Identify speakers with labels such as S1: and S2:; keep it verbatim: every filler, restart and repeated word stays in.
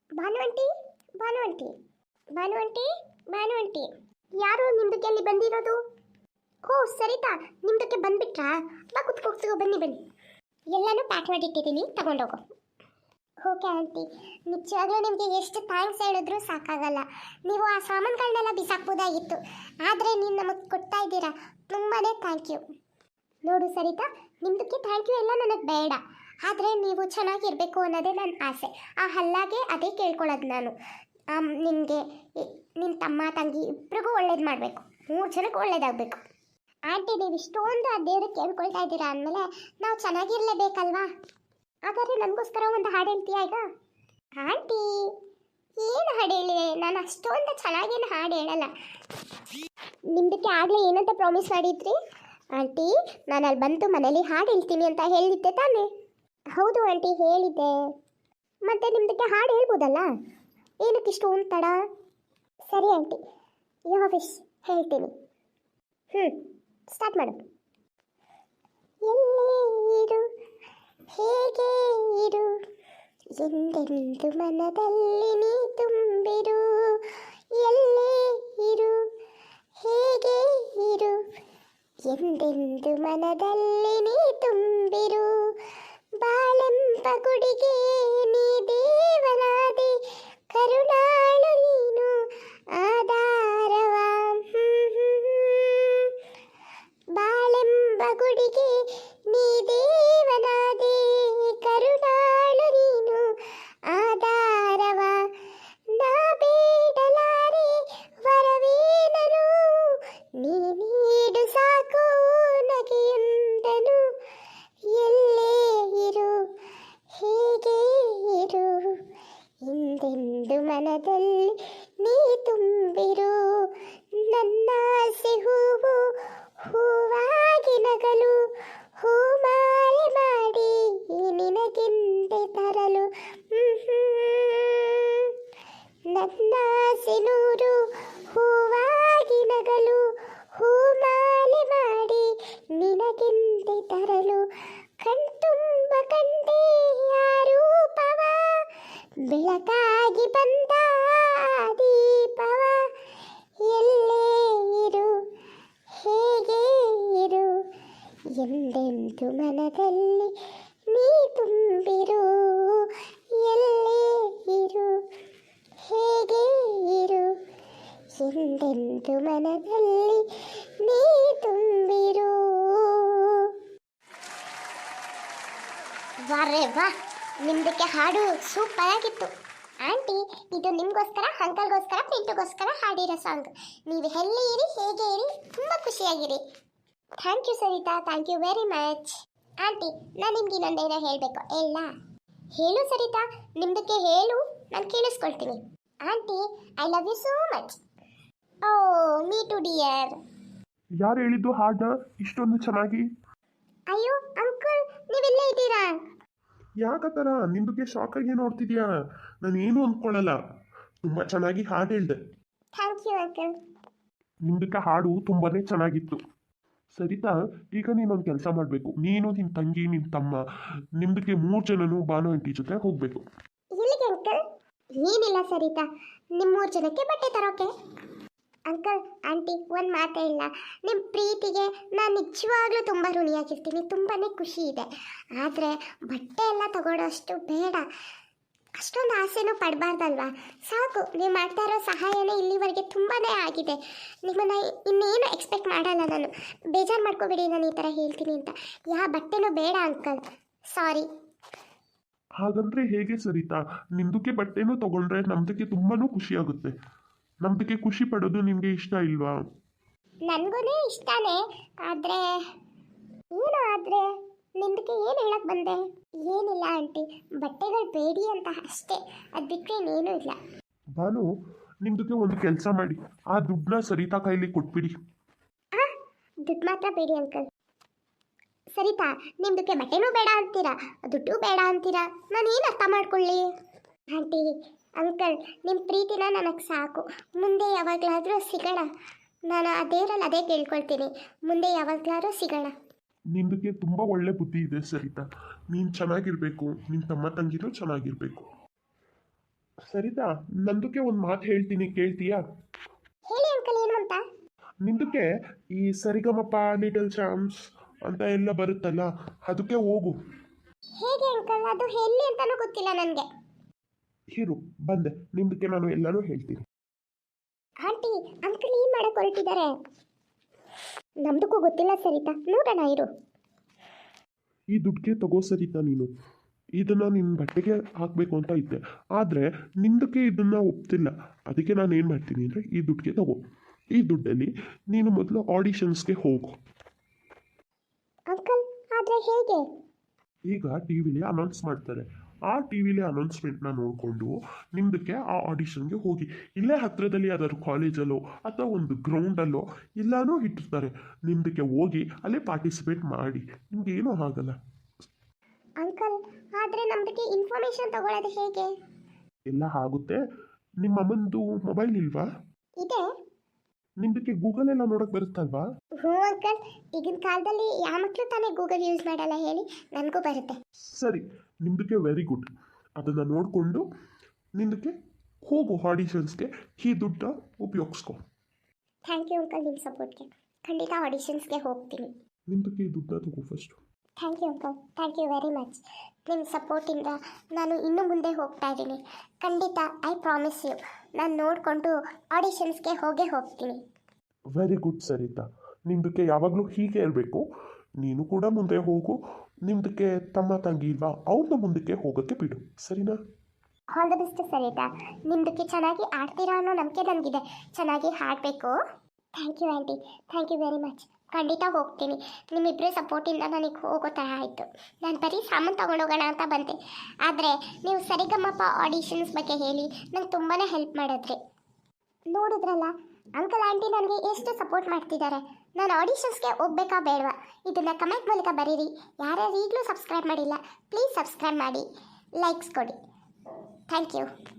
S1: ಭಾನು aunty, Bhanu aunty, Bhanu aunty, Bhanu aunty, ಯಾರು ನಿಮ್ದಕ್ಕೆ ಅಲ್ಲಿ ಬಂದಿರೋದು? ಓ ಸರಿತಾ, ನಿಮ್ದಕ್ಕೆ ಬಂದ್ಬಿಟ್ರಾ? ಬಾ ಕುತ್ಕೋಗ್ತೀವೋ, ಬನ್ನಿ ಬನ್ನಿ. ಎಲ್ಲನೂ ಪ್ಯಾಕ್ ಮಾಡಿಟ್ಟಿದ್ದೀನಿ, ತಗೊಂಡೋಗು. ಓಕೆ ಆಂಟಿ, ನಿಜವಾಗ್ಲೂ ನಿಮಗೆ ಎಷ್ಟು ಥ್ಯಾಂಕ್ಸ್ ಹೇಳಿದ್ರು ಸಾಕಾಗಲ್ಲ. ನೀವು ಆ ಸಾಮಾನುಗಳನ್ನೆಲ್ಲ ಬಿಸಾಕ್ಬೋದಾಗಿತ್ತು, ಆದರೆ ನೀವು ನಮಗೆ ಕೊಡ್ತಾ ಇದ್ದೀರಾ, ತುಂಬಾ ಥ್ಯಾಂಕ್ ಯು. ನೋಡು ಸರಿತಾ, ನಿಮ್ದಕ್ಕೆ ಥ್ಯಾಂಕ್ ಯು ಎಲ್ಲ ನನಗೆ ಬೇಡ, ಆದರೆ ನೀವು ಚೆನ್ನಾಗಿರಬೇಕು ಅನ್ನೋದೇ ನನ್ನ ಆಸೆ. ಆ ಹಲ್ಲಾಗೆ ಅದೇ ಕೇಳ್ಕೊಳ್ಳೋದು ನಾನು. ನಿನಗೆ ನಿನ್ನ ತಮ್ಮ ತಂಗಿ ಇಬ್ಬರಿಗೂ ಒಳ್ಳೇದು ಮಾಡಬೇಕು, ಮೂರು ಜನಕ್ಕೂ ಒಳ್ಳೇದಾಗಬೇಕು. ಆಂಟಿ, ನೀವು ಇಷ್ಟೊಂದು ಆ ದೇವ್ರಿಗೆ ಕೇಳ್ಕೊಳ್ತಾ ಇದ್ದೀರಾ ಅಂದಮೇಲೆ ನಾವು ಚೆನ್ನಾಗಿರಲೇಬೇಕಲ್ವಾ? ಹಾಗಾದರೆ ನನಗೋಸ್ಕರ ಒಂದು ಹಾಡು ಹೇಳ್ತೀಯಾ ಈಗ? ಆಂಟಿ, ಏನು ಹಾಡು ಹೇಳಿದೆ? ನಾನು ಅಷ್ಟೊಂದು ಚೆನ್ನಾಗೇನು ಹಾಡು ಹೇಳಲ್ಲ. ನಿಮ್ದಕ್ಕೆ ಆಗಲೇ ಏನಂತ ಪ್ರಾಮಿಸ್ ಮಾಡಿದ್ರಿ ಆಂಟಿ? ನಾನು ಅಲ್ಲಿ ಬಂದು ಮನೇಲಿ ಹಾಡು ಹೇಳ್ತೀನಿ ಅಂತ ಹೇಳಿದ್ದೆ ತಾನೇ? ಹೌದು ಆಂಟಿ, ಹೇಳಿದ್ದೆ. ಮತ್ತೆ ನಿಮ್ದಕ್ಕೆ ಹಾಡು ಹೇಳ್ಬೋದಲ್ಲ, ಏನಕ್ಕೆ ಇಷ್ಟೊಂದು ತಡ? ಸರಿ ಆಂಟಿ, ಯಾವ ವಿಶ್ ಹೇಳ್ತೀನಿ. ಹ್ಞೂ, ಸ್ಟಾರ್ಟ್ ಮಾಡು. ಎಲ್ಲೇ ಇರು, ಹೇಗೆ ಇರು, ಎಂದೆಂದು ಮನದಲ್ಲಿ ನೀ ತುಂಬಿರು. ಎಲ್ಲೇ ಇರು, ಹೇಗೆ ಇರು, ಎಂದೆಂದು ಮನದಲ್ಲಿ ನೀ ತುಂಬಿರು. ಬಾಳೆಂಬ ಗುಡಿಗೆ ನೀ ದೇವನಾದೆ, ಕರುಣಾಳು ನೀನು ಆಧಾರವ. ಬಾಳೆಂಬ ಗುಡಿಗೆ ನೀ ದೇವನಾದೆ, ಕರುಣಾಳು ನೀನು ಆಧಾರವ. ನಾ ಬೇಡಲಾರೆ ವರವೇನನು, ನೀ ನೀಡು ಸಾಕು ನಗೆಯೊಂದನು. ಎಲ್ಲೇ ಇರು, ಹೇಗೆ ಇರು, ಹಿಂದೆಂದು ಮನದಲ್ಲಿ ನೀ ತುಂಬಿರು. ನನ್ನ ಆಸೆ ಹೂವು ಹೂವಾಗಿ ನಗಲು, ಹೂಮಾಲೆ ಮಾಡಿ ನಿನಗೆಂದೆ ತರಲು. ನನ್ನ ಆಸೆ ನೂರು ಹೂವಾಗಿ ನಗಲು, ಹೂಮಾಲೆ ಮಾಡಿ ನಿನಗೆಂದೆ ತರಲು. ಕಣ್ತುಂಬ ಕಂಡೆ ಆ ರೂಪವ, ಬೆಳಕಾಗಿ ಬಂದ ದೀಪವ. ಎಲ್ಲೇ ಇರು, ಹೇಗೆ ಇರು, ಎಂದೆಂದು ಮನದಲ್ಲಿ ನೀ ತುಂಬಿರು. ಎಲ್ಲೇ ಇರು, ಹೇಗೆ ಇರು, ಎಂದೆಂದು ಮನದಲ್ಲಿ ನೀ ತುಂಬಿರು. ವಾರೇ ವಾ, ನಿಮ್ದಕ್ಕೆ ಹಾಡು ಸೂಪರ್ ಆಗಿತ್ತು ಆಂಟಿ. ಇದು ನಿಮಗೋಸ್ಕರ, ಅಂಕಲ್ಗೋಸ್ಕರ, ಪಿಂಟುಗೋಸ್ಕರ ಹಾಡಿರೋ ಸಾಂಗ್. ನೀವು ಎಲ್ಲಿ ಇರಿ, ಹೇಗೆ ಇರಿ, ತುಂಬ ಖುಷಿಯಾಗಿರಿ. Thank you Sarita, thank you very much. Aunty, ನಾನು ನಿಮ್ಗೆ ಇನ್ನೊಂದೇನೋ ಹೇಳಬೇಕು, ಹೇಳ? ಹೇಳು ಸರಿತಾ, ನಿಮ್ದಕ್ಕೆ ಹೇಳು, ನಾನು ಕೇಳಿಸ್ಕೊಳ್ತೀನಿ. Aunty, I love you so much. Oh me too dear.
S2: ಯಾರು ಹೇಳಿದ್ದು ಹಾಡನ್ನ ಇಷ್ಟೊಂದು ಚೆನ್ನಾಗಿ?
S1: ಅಯ್ಯೋ ಅಂಕಲ್, ನೀವೆಲ್ಲೇ ಇದ್ದೀರಾ?
S2: ಯಾಕತ್ತರ ನಿಮ್ದಕ್ಕೆ ಶಾಕಾಗಿ ನೋಡ್ತಿದ್ಯಾ? ನಾನು ಏನು ಅಂದ್ಕೊಳ್ಳಲ್ಲ, ತುಂಬ ಚೆನ್ನಾಗಿ ಹಾಡು ಹೇಳ್ದೆ.
S1: Thank you uncle.
S2: ನಿಮ್ದಕ್ಕೆ ಹಾಡು ತುಂಬಾ ಚೆನ್ನಾಗಿತ್ತು. ಸರಿತಾ, ಈಗ ನೀನೊಂದು ಕೆಲಸ ಮಾಡಬೇಕು. ನೀನು, ನಿನ್ನ ತಂಗಿ, ನಿನ್ನ ತಮ್ಮ, ನಿಮ್ದಕ್ಕೆ ಮೂರು ಜನನು ಭಾನು ಆಂಟಿ ಜೊತೆ ಹೋಗಬೇಕು.
S1: ಎಲ್ಲಿಗೆ ಅಂಕಲ್? ಏನಿಲ್ಲ ಸರಿತಾ, ನಿಮ್ಮ ಮೂರು ಜನಕ್ಕೆ ಬಟ್ಟೆ ತರೋಕೆ. ಅಂಕಲ್ ಆಂಟಿ, ಒಂದು ಮಾತೇ ಇಲ್ಲ, ನಿಮ್ಮ ಪ್ರೀತಿಗೆ ನಾನು ನಿಜವಾಗ್ಲೂ ತುಂಬ ಋಣಿಯಾಗಿರ್ತೀನಿ. ತುಂಬಾ ಖುಷಿ ಇದೆ, ಆದರೆ ಬಟ್ಟೆ ಎಲ್ಲ ತಗೊಳ್ಳೋಷ್ಟು ಬೇಡ, ಅಷ್ಟೊಂದು ಆಸೆನೂ ಪಡಬಾರ್ದಲ್ವಾ? ಸಾಕು, ನೀವು ಮಾಡ್ತಾ ಇರೋ ಸಹಾಯನೇ ಇಲ್ಲಿವರೆಗೆ ತುಂಬಾ ಆಗಿದೆ. ನಿಮ್ಮನ್ನು ಇನ್ನೇನು ಎಕ್ಸ್ಪೆಕ್ಟ್ ಮಾಡಲ್ಲ ನಾನು. ಬೇಜಾರು ಮಾಡ್ಕೋಬೇಡಿ ನಾನು ಈ ಥರ ಹೇಳ್ತೀನಿ ಅಂತ. ಯಾವ ಬಟ್ಟೆನೂ ಬೇಡ ಅಂಕಲ್, ಸಾರಿ.
S2: ಹಾಗಂದ್ರೆ ಹೇಗೆ ಸರಿತಾ? ನಿಮ್ದಕ್ಕೆ ಬಟ್ಟೆನೂ ತಗೊಂಡ್ರೆ ನಮ್ದಕ್ಕೆ ತುಂಬಾನು ಖುಷಿ ಆಗುತ್ತೆ. ನಮ್ದಕ್ಕೆ ಖುಷಿ ಪಡೋದು ನಿಮಗೆ ಇಷ್ಟ ಇಲ್ವಾ?
S1: ನನಗೂ ಇಷ್ಟನೇ, ಆದರೆ ಏನು ಆದರೆ ನಿಮ್ದಕ್ಕೆ ಏನು ಹೇಳಕ್ಕೆ ಬಂದೆ? ಏನಿಲ್ಲ ಆಂಟಿ, ಬಟ್ಟೆಗಳು ಬೇಡಿ ಅಂತ ಅಷ್ಟೇ, ಅದು ಬಿಟ್ಟರೆ ಇನ್ನೇನೂ ಇಲ್ಲ.
S2: ಭಾನು, ನಿಮ್ದಕ್ಕೆ ಒಂದು ಕೆಲಸ ಮಾಡಿ, ಆ ದುಡ್ಡನ್ನ ಸರಿತಾ ಕೈಲಿ ಕೊಟ್ಬಿಡಿ.
S1: ಹಾಂ, ದುಡ್ಡು ಮಾತ್ರ ಬೇಡಿ ಅಂಕಲ್. ಸರಿತಾ, ನಿಮ್ದಕ್ಕೆ ಬಟ್ಟೆನೂ ಬೇಡ ಅಂತೀರಾ, ದುಡ್ಡು ಬೇಡ ಅಂತೀರಾ, ನಾನು ಏನು ಅರ್ಥ ಮಾಡ್ಕೊಳ್ಳಿ? ಆಂಟಿ ಅಂಕಲ್, ನಿಮ್ಮ ಪ್ರೀತಿನ ನನಗೆ ಸಾಕು. ಮುಂದೆ ಯಾವಾಗಲಾದರೂ ಸಿಗೋಣ. ನಾನು ಆ ದೇವರಲ್ಲಿ ಅದೇ ಕೇಳ್ಕೊಳ್ತೀನಿ, ಮುಂದೆ ಯಾವಾಗಲಾದರೂ ಸಿಗೋಣ.
S2: ನಿಮ್ದಕ್ಕೆ ತುಂಬ ಒಳ್ಳೆ ಬುದ್ಧಿ ಇದೆ ಸರಿತಾ. ನೀನು ಚೆನ್ನಾಗಿರಬೇಕು, ನಿನ್ನ ತಮ್ಮ ತಂಗಿನೂ ಚೆನ್ನಾಗಿರಬೇಕು. ಸರಿತಾ, ನಂದಕ್ಕೆ ಒಂದು ಮಾತು ಹೇಳ್ತೀನಿ, ಕೇಳ್ತೀಯಾ?
S1: ಹೇಳಿ ಅಂಕಲ್, ಏನು ಅಂತ?
S2: ನಿಂದಕ್ಕೆ ಈ ಸರಿಗಮಪ ಲಿಟಲ್ ಚಾಂಪ್ಸ್ ಅಂತ ಎಲ್ಲ ಬರುತ್ತಲ್ಲ, ಅದಕ್ಕೆ ಹೋಗು.
S1: ಹೇಗೆ ಅಂಕಲ್? ಅದು ಎಲ್ಲಿ ಅಂತಾನೂ ಗೊತ್ತಿಲ್ಲ ನನಗೆ.
S2: ಇರು, ಬಂದೆ, ನಿಮ್ದಕ್ಕೆ ನಾನು ಎಲ್ಲನೂ ಹೇಳ್ತೀನಿ.
S1: ಆಂಟಿ, ಅಂಕಲ್ ಏನು ಮಾಡಕ್ಕೆ ಹೊರಟಿದ್ದಾರೆ? ನಮ್ದಕ್ಕೂ ಗೊತ್ತಿಲ್ಲ ಸರಿತಾ, ನೋಡೋಣ ಇರು.
S2: ಈ ದುಡ್ಡಿಗೆ ತಗೋ ಸರಿತಾ, ನೀನು ಇದನ್ನು ನಿನ್ನ ಬಟ್ಟೆಗೆ ಹಾಕಬೇಕು ಅಂತ ಇದ್ದೆ, ಆದರೆ ನಿಂದಕ್ಕೆ ಇದನ್ನು ಒಪ್ತಿಲ್ಲ. ಅದಕ್ಕೆ ನಾನು ಏನು ಮಾಡ್ತೀನಿ ಅಂದರೆ, ಈ ದುಡ್ಡಿಗೆ ತಗೋ. ಈ ದುಡ್ಡಲ್ಲಿ ನೀನು ಮೊದಲು ಆಡಿಷನ್ಸ್ಗೆ ಹೋಗು.
S1: ಅಂಕಲ್, ಆದರೆ ಹೇಗೆ?
S2: ಈಗ ಟಿ ವಿಲಿ ಅನೌನ್ಸ್ ಮಾಡ್ತಾರೆ, ಆ ಟಿ ವಿಲಿ ಅನೌನ್ಸ್ಮೆಂಟ್ನ ನೋಡಿಕೊಂಡು ನಿಮ್ದಕ್ಕೆ ಆ ಆಡಿಷನ್ಗೆ ಹೋಗಿ. ಇಲ್ಲೇ ಹತ್ತಿರದಲ್ಲಿ ಯಾವ್ದಾದ್ರು ಕಾಲೇಜಲ್ಲೋ ಅಥವಾ ಒಂದು ಗ್ರೌಂಡಲ್ಲೋ ಎಲ್ಲನೂ ಇಟ್ಟಿರ್ತಾರೆ, ನಿಮ್ದಕ್ಕೆ ಹೋಗಿ ಅಲ್ಲೇ ಪಾರ್ಟಿಸಿಪೇಟ್ ಮಾಡಿ, ನಿಮ್ಗೆ ಏನೂ ಆಗಲ್ಲ.
S1: ಅಂಕಲ್, ಆದರೆ ನಮ್ದಕ್ಕೆ ಇನ್ಫಾರ್ಮೇಶನ್ ತಗೊಳ್ಳೋದು ಹೇಗೆ?
S2: ಎಲ್ಲ ಆಗುತ್ತೆ. ನಿಮ್ಮ ಅಮ್ಮಂದು ಮೊಬೈಲ್ ಇಲ್ವಾ?
S1: ಇದೆ.
S2: ನಿಮ್ದಕ್ಕೆ ಗೂಗಲ್ ಎಲ್ಲ ನೋಡೋಕೆ ಬರುತ್ತಲ್ವಾ?
S1: ಹ್ಞೂ ಅಂಕಲ್, ಈಗಿನ ಕಾಲದಲ್ಲಿ ಯಾವ ಮಕ್ಕಳು ತಾನೇ ಗೂಗಲ್ ಯೂಸ್ ಮಾಡಲ್ಲ ಹೇಳಿ? ನನಗೂ ಬರುತ್ತೆ.
S2: ಸರಿ, ನಿಮ್ದಕ್ಕೆ ವೆರಿ ಗುಡ್. ಅದನ್ನು ನೋಡಿಕೊಂಡು ನಿಮ್ದಕ್ಕೆ ಹೋಗು ಆಡಿಷನ್ಸ್ಗೆ, ಈ ದುಡ್ಡ ಉಪಯೋಗಿಸ್ಕೊ.
S1: ಥ್ಯಾಂಕ್ ಯು ಅಂಕಲ್, ನಿಮ್ಮ ಸಪೋರ್ಟ್ಗೆ. ಖಂಡಿತ ಆಡಿಷನ್ಸ್ಗೆ ಹೋಗ್ತೀನಿ.
S2: ನಿಮ್ದಕ್ಕೆ ಈ ದುಡ್ಡ ತಗೋ first.
S1: Thank you uncle, thank you very much. ನಿಮ್ಮ ಸಪೋರ್ಟಿಂದ ನಾನು ಇನ್ನೂ ಮುಂದೆ ಹೋಗ್ತಾ ಇದ್ದೀನಿ. ಖಂಡಿತ, ಐ ಪ್ರಾಮಿಸ್ ಯು, ನಾನು ನೋಡಿಕೊಂಡು ಆಡಿಷನ್ಸ್ಗೆ ಹೋಗೇ ಹೋಗ್ತೀನಿ.
S2: ವೆರಿ ಗುಡ್ ಸರಿತಾ, ನಿಮ್ದಕ್ಕೆ ಯಾವಾಗಲೂ ಹೀಗೆ ಇರಬೇಕು. ನೀನು ಕೂಡ ಮುಂದೆ ಹೋಗು. ನಿಮ್ದಕ್ಕೆ ತಮ್ಮ ತಂಗಿ ಇಲ್ವಾ, ಅವ್ರನ್ನ ಮುಂದಕ್ಕೆ ಹೋಗೋಕ್ಕೆ ಬಿಡು, ಸರಿನಾ?
S1: All the best Sarita. ನಿಮ್ಮದಕ್ಕೆ ಚೆನ್ನಾಗಿ ಆಡ್ತೀರಾ ಅನ್ನೋ ನಂಬಿಕೆ ನನಗಿದೆ. ಚೆನ್ನಾಗಿ ಹಾಡಬೇಕು. Thank you aunty, thank you very much. ಖಂಡಿತ ಹೋಗ್ತೀನಿ. ನಿಮ್ಮಿಬ್ಬರ ಸಪೋರ್ಟಿಂದ ನನಗೆ ಹೋಗೋ ಥರ ಆಯಿತು. ನಾನು ಬರೀ ಸಾಮಾನು ತೊಗೊಂಡೋಗೋಣ ಅಂತ ಬಂದೆ, ಆದರೆ ನೀವು ಸರಿಗಮಪ ಆಡಿಷನ್ಸ್ ಬಗ್ಗೆ ಹೇಳಿ ನಂಗೆ ತುಂಬಾ ಹೆಲ್ಪ್ ಮಾಡಿದ್ರಿ. ನೋಡಿದ್ರಲ್ಲ ಅಂಕಲ್ ಆಂಟಿ ನನಗೆ ಎಷ್ಟು ಸಪೋರ್ಟ್ ಮಾಡ್ತಿದ್ದಾರೆ. ನಾನು ಆಡಿಷನ್ಸ್ಗೆ ಹೋಗ್ಬೇಕಾ ಬೇಡವಾ? ಇದನ್ನು ಕಮೆಂಟ್ ಮೂಲಕ ಬರೀರಿ. ಯಾರ್ಯಾರು ಈಗಲೂ ಸಬ್ಸ್ಕ್ರೈಬ್ ಮಾಡಿಲ್ಲ, ಪ್ಲೀಸ್ ಸಬ್ಸ್ಕ್ರೈಬ್ ಮಾಡಿ, ಲೈಕ್ಸ್ ಕೊಡಿ. Thank you.